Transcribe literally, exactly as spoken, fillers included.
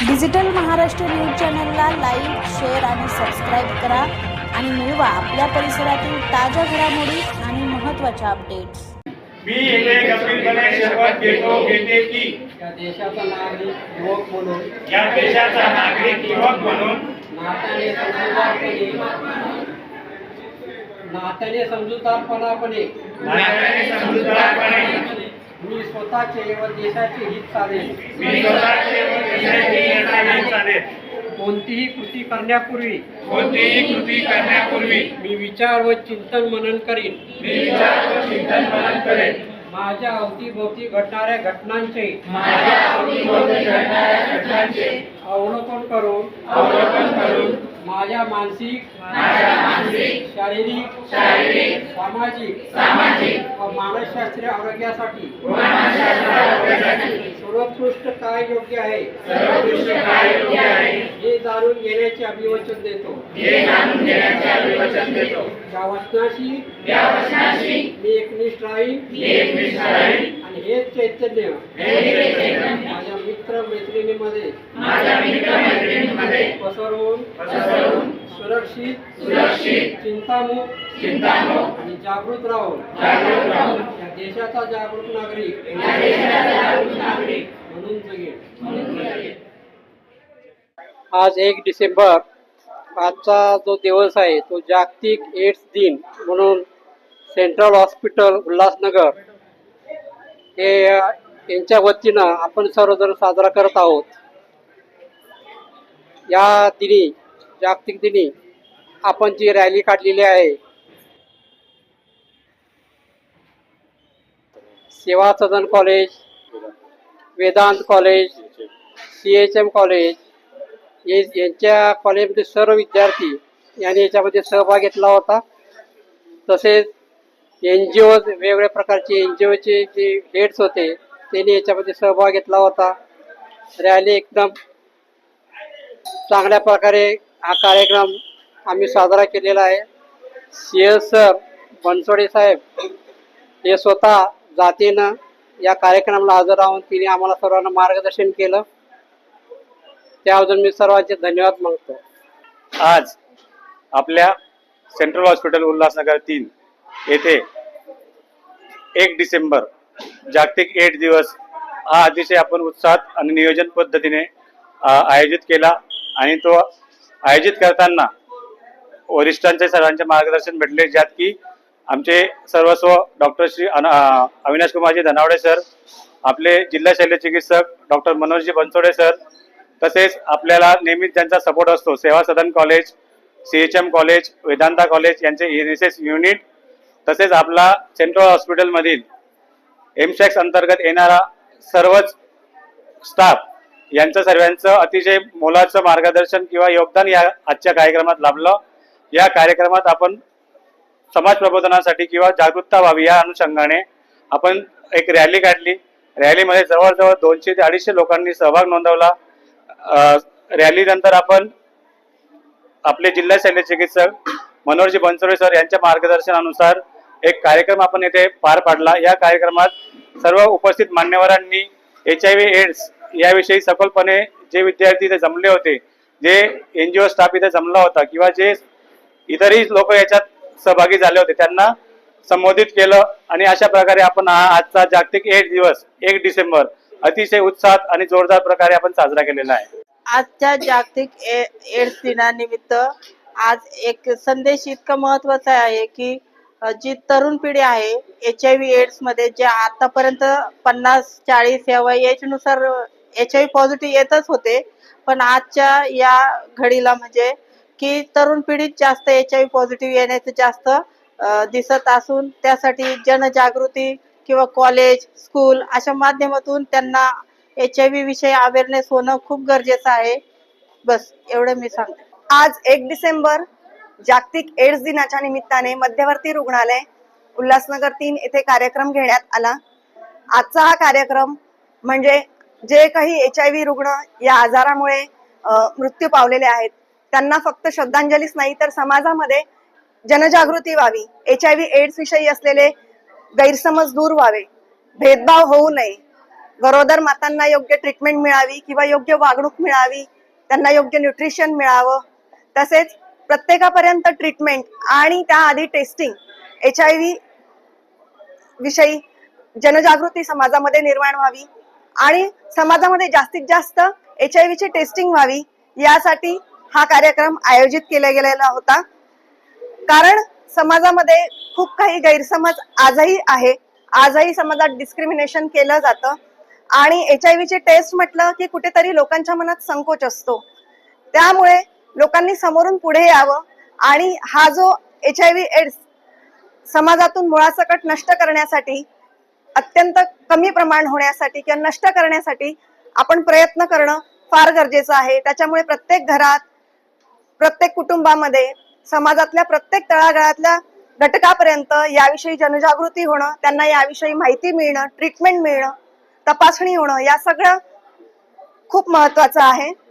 Digital Maharashtra news चॅनलला like, share आणि subscribe करा आणि मिळवा आपल्या परिसरातील ताज्या घडामोडी आणि महत्त्वाच्या अपडेट्स। मी येथे गंभीरपणे शपथ घेतो घेते की या देशाचा नागरिक युवक म्हणून या देशाचा नागरिक युवक म्हणून नात्याने समजूतदारपणे नात्याने समजूतदारपणापणे नात्याने समजूतदारपणे मी स्वतःचे व देशाचे हित साधेन। मी स्वतःचे व देशाचे हित साधेन। कोणतीही कृती करण्यापूर्वी कोणतीही कृती करण्यापूर्वी मी विचार व चिंतन मनन करीन। मी विचार व चिंतन मनन करेन। माझ्या अवतीभोवती घडणाऱ्या घटनांचे माझ्या अवतीभोवती घडणाऱ्या घटनांचे अवलोकन करून अवलोकन करून माझ्या मानसिक माझ्या मानसिक शारीरिक शारीरिक सामाजिक सामाजिक व मानसशास्त्रीय आरोग्यासाठी व मानसशास्त्रीय आरोग्यासाठी सर्वोत्कृष्ट काय योग्य आहे सर्वोत्कृष्ट काय योग्य आहे हे जाणून घेण्याचे अभिवचन देतो। हे जाणून घेण्याचे अभिवचन देतो। या वचनाशी या वचनाशी मी एकनिष्ठ राहीन मी एकनिष्ठ राहीन आणि हेच चैतन्य हे चैतन्य माझ्या मित्र मैत्रिणींमध्ये माझ्या मित्र मैत्रिणींमध्ये पसरवून पसरवून सुरक्षित सुरक्षित चिंतामुक्त चिंतामुक्त आणि जागृत राहून जागरूक राहून या देशाचा जागृत नागरिक या देशाचा जागरूक नागरिक म्हणून जगेल। म्हणून जगेल। आज एक डिसेंबर आजचा जो दिवस आहे तो जागतिक एड्स दिन म्हणून सेंट्रल हॉस्पिटल उल्हासनगर हे यांच्या वतीनं आपण सर्वजण साजरा करत आहोत। या दिनी जागतिक दिनी आपण जी रॅली काढलेली आहे Seva Sadan college, Vedant college, C H M college हे यांच्या कॉलेजमध्ये सर्व विद्यार्थी यांनी याच्यामध्ये सहभाग घेतला होता। तसेच एन जी ओ वेगवेगळ्या प्रकारचे एन जी ओचे जे हेड्स होते त्यांनी याच्यामध्ये सहभाग घेतला होता। रॅली एकदम चांगल्या प्रकारे हा कार्यक्रम आम्ही साजरा केलेला आहे। सी एस सर बनसोडे साहेब हे स्वतः जातीनं या कार्यक्रमाला हजर राहून तिने आम्हाला सर्वांना मार्गदर्शन केलं, त्याबद्दल मी सर्वांचे धन्यवाद मागतो। आज आपल्या सेंट्रल हॉस्पिटल उल्हासनगर तीन येथे एक डिसेंबर जागतिक एड्स दिवस हा अतिशय आपण उत्साहात आणि नियोजन पद्धतीने आयोजित केला आणि तो आयोजित करताना वरिष्ठांचे सर्वांचे मार्गदर्शन भेटले, ज्यात की आमचे सर्वस्व डॉक्टर श्री अविनाश कुमारजी धनावडे सर, आपले जिल्हा शल्य चिकित्सक डॉक्टर मनोजजी बनसोडे सर, तसेच आपल्याला नेहमीच ज्यांचा सपोर्ट असतो Seva Sadan college, C H M college, Vedanta college यांचे एन एस एस युनिट, तसेच आपला सेंट्रल हॉस्पिटलमधील एमशॅक्स अंतर्गत येणारा सर्वच स्टाफ यांचं सर्वांचं अतिशय मोलाचं मार्गदर्शन किंवा योगदान या आजच्या कार्यक्रमात लाभलं। या कार्यक्रमात आपण समाज प्रबोधनासाठी किंवा जागरूकता व्हावी या अनुषंगाने आपण एक रॅली काढली। रॅलीमध्ये जवळजवळ दोनशे ते अडीचशे लोकांनी सहभाग नोंदवला। रॅली नंतर आपण आपले जिल्हा शल्य चिकित्सक मनोहरजी बनसोडे सर यांच्या मार्गदर्शनानुसार एक कार्यक्रम आपण येथे पार पाडला। या कार्यक्रमात सर्व उपस्थित मान्यवरांनी एच आय व्ही एड्स याविषयी सखोलपणे जे विद्यार्थी इथे जमले होते, जे एन जी ओ स्टाफ इथे जमला होता किंवा जे इतरही लोक याच्यात सहभागी झाले होते त्यांना संबोधित केलं आणि अशा प्रकारे आपण हा आजचा जागतिक एड्स दिवस एक डिसेंबर अतिशय उत्साहात आणि जोरदार प्रकारे आपण साजरा केलेला आहे। आजच्या जागतिक एड्स दिनानिमित्त आज एक संदेश इतका महत्वाचा आहे की जी तरुण पिढी आहे एच आय व्ही एड्स मध्ये जे आतापर्यंत पन्नास चाळीस या एज नुसार एच आय व्ही पॉझिटिव्ह येतच होते, पण आजच्या या घडीला म्हणजे की तरुण पिढीत जास्त एच आय व्ही पॉझिटिव्ह येण्याचं जास्त दिसत असून त्यासाठी जनजागृती किंवा कॉलेज स्कूल अशा माध्यमातून त्यांना एच आय व्ही विषयी अवेअरनेस होणं खूप गरजेचं आहे। बस एवढं मी सांगते। आज एक डिसेंबर जागतिक एड्स दिनाच्या निमित्ताने मध्यवर्ती रुग्णालय उल्हासनगर तीन येथे कार्यक्रम घेण्यात आला। आजचा हा कार्यक्रम म्हणजे जे काही एच आय व्ही रुग्ण या आजारामुळे मृत्यू पावलेले आहेत त्यांना फक्त श्रद्धांजलीच नाही तर समाजामध्ये जनजागृती व्हावी, एच आय व्ही एड्स विषयी असलेले गैरसमज दूर व्हावे, भेदभाव होऊ नये, गरोदर मातांना योग्य ट्रीटमेंट मिळावी किंवा योग्य वागणूक मिळावी, त्यांना योग्य न्यूट्रिशन मिळावं, तसेच प्रत्येकापर्यंत ट्रीटमेंट आणि त्याआधी टेस्टिंग, एच आय व्ही विषयी जनजागृती समाजामध्ये निर्माण व्हावी आणि समाजामध्ये जास्तीत जास्त एच आय व्ही ची टेस्टिंग व्हावी, यासाठी हा कार्यक्रम आयोजित केला गेलेला होता. कारण समाजामध्ये खूप काही गैरसमज आजही आहे, आजही समाजात डिस्क्रिमिनेशन केलं जातं आणि एच आय व्ही ची टेस्ट म्हटलं की कुठेतरी लोकांच्या मनात संकोच असतो. त्यामुळे लोकांनी समोरून पुढे यावं आणि हा जो एच आय व्ही एड्स समाजातून मुळासकट नष्ट करण्यासाठी, अत्यंत कमी प्रमाण होण्यासाठी किंवा नष्ट करण्यासाठी आपण प्रयत्न करणं फार गरजेचं आहे. त्याच्यामुळे प्रत्येक घरात, प्रत्येक कुटुंबामध्ये, समाजातल्या प्रत्येक तळागाळातल्या घटकापर्यंत याविषयी जनजागृती होणं, त्यांना याविषयी माहिती मिळणं, ट्रीटमेंट मिळणं, तपासणी होणं, या सगळं खूप महत्वाचं आहे.